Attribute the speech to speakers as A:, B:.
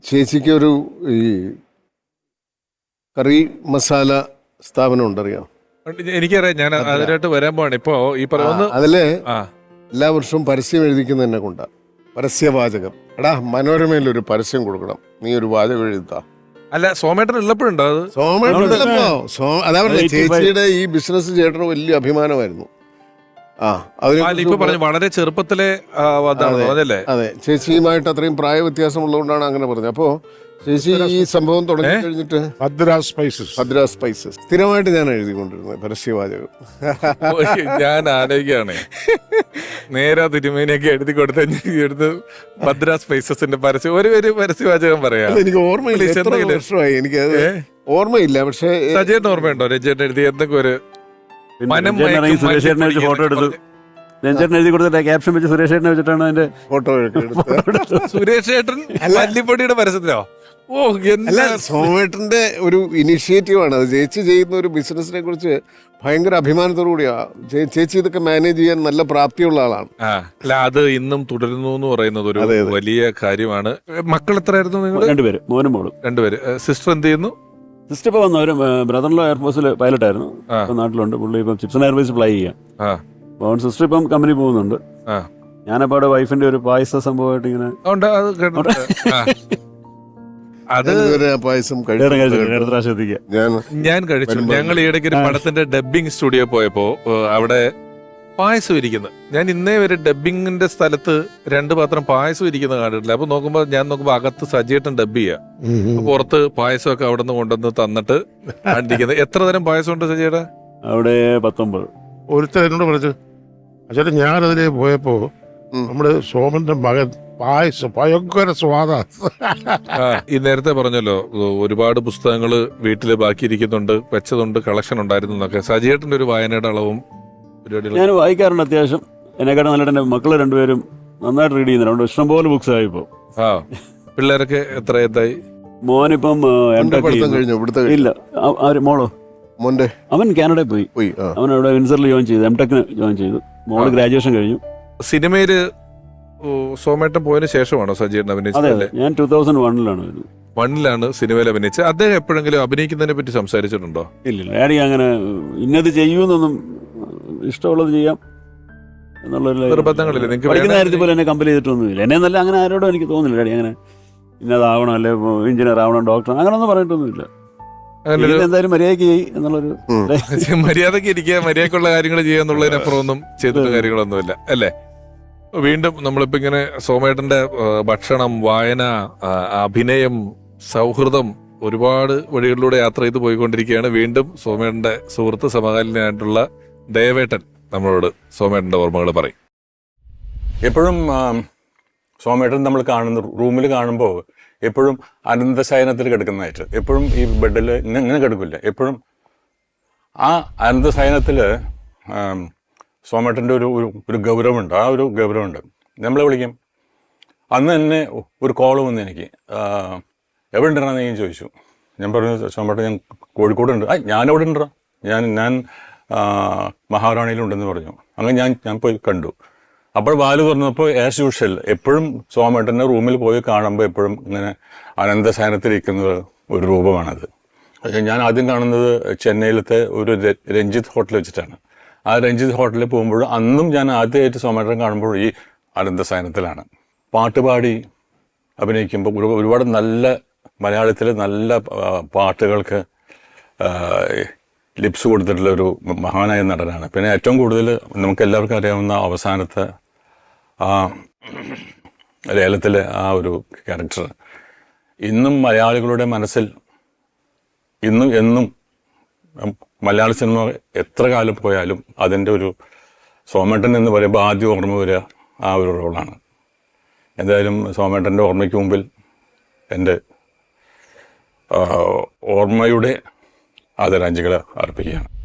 A: ചേച്ചിക്ക് ഒരു ഈ കറി മസാല സ്ഥാപനം ഉണ്ടറിയാം?
B: എനിക്കറിയാം, ഞാൻ അതിനായിട്ട് വരാൻ പോവാണ് ഇപ്പോ. ഈ പറയുന്ന
A: അതില് എല്ലാ വർഷവും പരസ്യം എഴുതിക്കുന്ന എന്നെ കൊണ്ടാ. പരസ്യവാചകം. എടാ, മനോരമയിൽ ഒരു പരസ്യം കൊടുക്കണം, നീ ഒരു വാചകം എഴുതാ.
B: അല്ല, സോമേട്ടൻ ഉള്ളപ്പോഴുണ്ടോ അത്?
A: അതാ പറഞ്ഞ ചേച്ചിയുടെ ഈ ബിസിനസ് ചേട്ടന് വലിയ അഭിമാനമായിരുന്നു.
B: ഇപ്പൊ പറഞ്ഞു വളരെ ചെറുപ്പത്തിലെ
A: അതെ, ചേച്ചിയുമായിട്ട് അത്രയും പ്രായ വ്യത്യാസമുള്ളതുകൊണ്ടാണ് അങ്ങനെ പറഞ്ഞത്. അപ്പോ ചേച്ചി ഈ സംഭവം തുടങ്ങി കഴിഞ്ഞിട്ട് ഭദ്ര സ്പൈസസ് സ്ഥിരമായിട്ട് ഞാൻ എഴുതിക്കൊണ്ടിരുന്നത് പരസ്യവാചകം.
B: ഞാൻ ആലോചിക്കുകയാണ്, നേരെ തിരുമേനിയൊക്കെ എഴുതി കൊടുത്ത് ഭദ്ര സ്പൈസസിന്റെ പരസ്യം ഒരു പരസ്യവാചകം പറയാം.
A: എനിക്ക് ഓർമ്മയില്ല, എത്ര വർഷമായി എനിക്കത് ഓർമ്മയില്ല. പക്ഷേ
B: സജീവൻ ഓർമ്മയുണ്ടോ രഞ്ജേട്ടൻ എഴുതി എന്തൊക്കെ ഒരു
C: സുരേഷേട്ടനെ വെച്ച് ഫോട്ടോ എടുത്തു? രഞ്ജേട്ടൻ എഴുതി കൊടുത്തിട്ട് ക്യാപ്ഷൻ വെച്ച് സുരേഷേട്ടനെ വെച്ചിട്ടാണ് അതിന്റെ
A: ഫോട്ടോ എടുത്തത്.
B: സുരേഷേട്ടൻ മല്ലിപ്പൊടിയുടെ പരസ്യത്തിലോ?
A: അല്ല, സോമേട്ടന്റെ ഒരു ഇനിഷ്യേറ്റീവാണ് അത്. ചേച്ചി ചെയ്യുന്ന ഒരു ബിസിനസിനെ കുറിച്ച് ഭയങ്കര അഭിമാനത്തോടുകൂടിയാ. ചേച്ചി ഇതൊക്കെ മാനേജ് ചെയ്യാൻ നല്ല പ്രാപ്തിയുള്ള ആളാണ്.
B: അല്ല, അത് ഇന്നും തുടരുന്നു എന്ന് പറയുന്നത് ഒരു വലിയ കാര്യമാണ്. മക്കൾ എത്രയായിരുന്നു നിങ്ങൾ?
C: 2 പേര്, മോനും മോളും.
B: 2 പേര്. സിസ്റ്റർ എന്ത് ചെയ്യുന്നു?
C: സിസ്റ്റർ ഇപ്പൊ വന്നു. ഒരു ബ്രദറിലോ എയർഫോഴ്സിൽ പൈലറ്റ് ആയിരുന്നു, ഇപ്പൊ നാട്ടിലുണ്ട്. പുള്ളി ഇപ്പം ചിപ്സൺ എയർവേസ് ഫ്ലൈ ചെയ്യാം. അപ്പോൾ സിസ്റ്റർ ഇപ്പം കമ്പനി പോകുന്നുണ്ട്. ഞാനപ്പോ അവിടെ വൈഫിന്റെ ഒരു പായസ സംഭവമായിട്ട് ഇങ്ങനെ
B: ഞാൻ കഴിച്ചു. ഞങ്ങൾ ഈയിടയ്ക്ക് ഒരു പടത്തിന്റെ ഡബ്ബിംഗ് സ്റ്റുഡിയോ പോയപ്പോ അവിടെ പായസം ഇരിക്കുന്നത്, ഞാൻ ഇന്നേ വരെ ഡബ്ബിങ്ങിന്റെ സ്ഥലത്ത് 2 പാത്രം പായസം ഇരിക്കുന്നത് കണ്ടിട്ടില്ല. അപ്പൊ ഞാൻ നോക്കുമ്പോ അകത്ത് സജീട്ടൻ ഡബ് ചെയ്യാ, പുറത്ത് പായസമൊക്കെ അവിടെ നിന്ന് കൊണ്ടുവന്ന് തന്നിട്ട് കണ്ടിരിക്കുന്നത്. എത്ര തരം പായസം ഉണ്ട് സജീട്ടാ
C: അവിടെ? 19.
D: ഒരുത്തർ എന്നോട് പറഞ്ഞു, അച്ഛാ ഞാനതിലേ പോയപ്പോ നമ്മുടെ സോമന്റെ മകൻ പായസം ഭയങ്കര സ്വാദാണ്.
B: ഈ നേരത്തെ പറഞ്ഞല്ലോ ഒരുപാട് പുസ്തകങ്ങള് വീട്ടില് ബാക്കിയിരിക്കുന്നുണ്ട്, വെച്ചതുണ്ട്, കളക്ഷൻ ഉണ്ടായിരുന്നു എന്നൊക്കെ. സജീട്ടന്റെ ഒരു വായനയുടെ അളവും
C: ഞാൻ വായിക്കാറുണ്ട് അത്യാവശ്യം. എന്നെക്കാട്ടും നല്ലതായിട്ട് എന്റെ മക്കള് 2 പേരും നന്നായിട്ട് റീഡ് ചെയ്യുന്നുണ്ട്. ഇഷ്ടംപോലെ ബുക്സ് ആയി ഇപ്പൊ.
B: പിള്ളേരൊക്കെ എത്രയായി?
C: മോനിപ്പം ഇല്ല, മോളോ അവൻ കാനഡയിൽ പോയി. അവൻ അവിടെ വിൻസറിൽ ജോയിൻ ചെയ്തു, എംടെക്കിന് ജോയിൻ ചെയ്തു. മോള് ഗ്രാജുവേഷൻ കഴിഞ്ഞു.
B: സിനിമയില് സോമേട്ടൻ പോയതിനു ശേഷമാണോ സജീവൻ അഭിനയിച്ചത്?
C: ഞാൻ 2001
B: 1 സിനിമയിൽ അഭിനയിച്ചത്. അദ്ദേഹം എപ്പോഴെങ്കിലും അഭിനയിക്കുന്നതിനെ പറ്റി സംസാരിച്ചിട്ടുണ്ടോ?
C: ഇല്ല, ഡാഡി അങ്ങനെ ഇന്നത് ചെയ്യൂന്നൊന്നും, ഇഷ്ടമുള്ളത് ചെയ്യാം എന്നുള്ളൊരു
B: നിർബന്ധങ്ങളില്ല.
C: പഠിക്കുന്ന കാര്യത്തിൽ പോലെ എന്നെ കമ്പൽ ചെയ്തിട്ടൊന്നുമില്ല. എന്നെ നല്ല അങ്ങനെ ആരോടും എനിക്ക് തോന്നുന്നില്ല ഡാഡി അങ്ങനെ ഇന്നതാവണം, അല്ലെ എഞ്ചിനീയർ ആവണം, ഡോക്ടർ അങ്ങനൊന്നും പറഞ്ഞിട്ടൊന്നുമില്ല. എന്തായാലും മര്യാദയ്ക്ക് ചെയ്യും എന്നുള്ളൊരു
B: മര്യാദയ്ക്ക് ഇരിക്കുക, മര്യാദക്കുള്ള കാര്യങ്ങൾ ചെയ്യുക എന്നുള്ളതിനപ്പുറം ഒന്നും ചെയ്തിട്ട് കാര്യങ്ങളൊന്നുമില്ല അല്ലേ? വീണ്ടും നമ്മളിപ്പോ ഇങ്ങനെ സോമേട്ടന്റെ ഭക്ഷണം, വായന, അഭിനയം, സൗഹൃദം ഒരുപാട് വഴികളിലൂടെ യാത്ര ചെയ്ത് പോയിക്കൊണ്ടിരിക്കുകയാണ്. വീണ്ടും സോമേട്ടന്റെ സുഹൃത്ത് സമകാലീനായിട്ടുള്ള ദേവേട്ടൻ നമ്മളോട് സോമേട്ടന്റെ ഓർമ്മകൾ പറയും.
E: എപ്പോഴും സോമേട്ടൻ നമ്മൾ റൂമിൽ കാണുമ്പോൾ എപ്പോഴും അനന്തശയനത്തിൽ കിടക്കുന്നതായിട്ട്, എപ്പോഴും ഈ ബെഡിൽ ഇങ്ങനെ കിടക്കില്ല. എപ്പോഴും ആ അനന്തശയനത്തിൽ സോമേട്ടൻ്റെ ഒരു ഗൗരവമുണ്ട്. ആ ഒരു ഗൗരവമുണ്ട്. നമ്മളെ വിളിക്കും. അന്ന് തന്നെ ഒരു കോള് വന്ന് എനിക്ക്, എവിടെ ഉണ്ടെന്ന് ഞാൻ ചോദിച്ചു. ഞാൻ പറഞ്ഞു, സോമേട്ടൻ ഞാൻ കോഴിക്കോടുണ്ട്. ഞാനെവിടെ ഉണ്ടോ? ഞാൻ മഹാറാണിയിലുണ്ടെന്ന് പറഞ്ഞു. അങ്ങനെ ഞാൻ പോയി കണ്ടു. അപ്പോൾ വാല് തുറന്നപ്പോൾ ആസ് യൂഷ്വൽ എപ്പോഴും സോമേട്ടൻ്റെ റൂമിൽ പോയി കാണുമ്പോൾ എപ്പോഴും ഇങ്ങനെ അനന്തശയനത്തിലിരിക്കുന്ന ഒരു രൂപമാണത്. ഞാൻ ആദ്യം കാണുന്നത് ചെന്നൈയിലത്തെ ഒരു രഞ്ജിത്ത് ഹോട്ടൽ വെച്ചിട്ടാണ്. ആ രഞ്ജിത്ത് ഹോട്ടലിൽ പോകുമ്പോൾ അന്നും ഞാൻ ആദ്യമായിട്ട് സോമേട്ടൻ കാണുമ്പോൾ ഈ അനന്തശയനത്തിലാണ്. പാട്ടുപാടി അഭിനയിക്കുമ്പോൾ ഒരുപാട് നല്ല മലയാളത്തിൽ നല്ല പാട്ടുകൾക്ക് ലിപ്സ് കൊടുത്തിട്ടുള്ള ഒരു മഹാനായ നടനാണ്. പിന്നെ ഏറ്റവും കൂടുതൽ നമുക്ക് എല്ലാവർക്കും അറിയാവുന്ന അവസാനത്തെ ആ ലേലത്തിലെ ആ ഒരു ക്യാരക്ടർ ഇന്നും മലയാളികളുടെ മനസ്സിൽ എന്നും മലയാള സിനിമ എത്ര കാലം പോയാലും അതിൻ്റെ ഒരു സോമേട്ടൻ എന്ന് പറയുമ്പോൾ ആദ്യം ഓർമ്മ വരിക ആ ഒരു റോളാണ്. എന്തായാലും സോമേട്ടൻ്റെ ഓർമ്മയ്ക്ക് മുമ്പിൽ എൻ്റെ ഓർമ്മയുടെ ആദരാഞ്ജലികൾ അർപ്പിക്കുകയാണ്.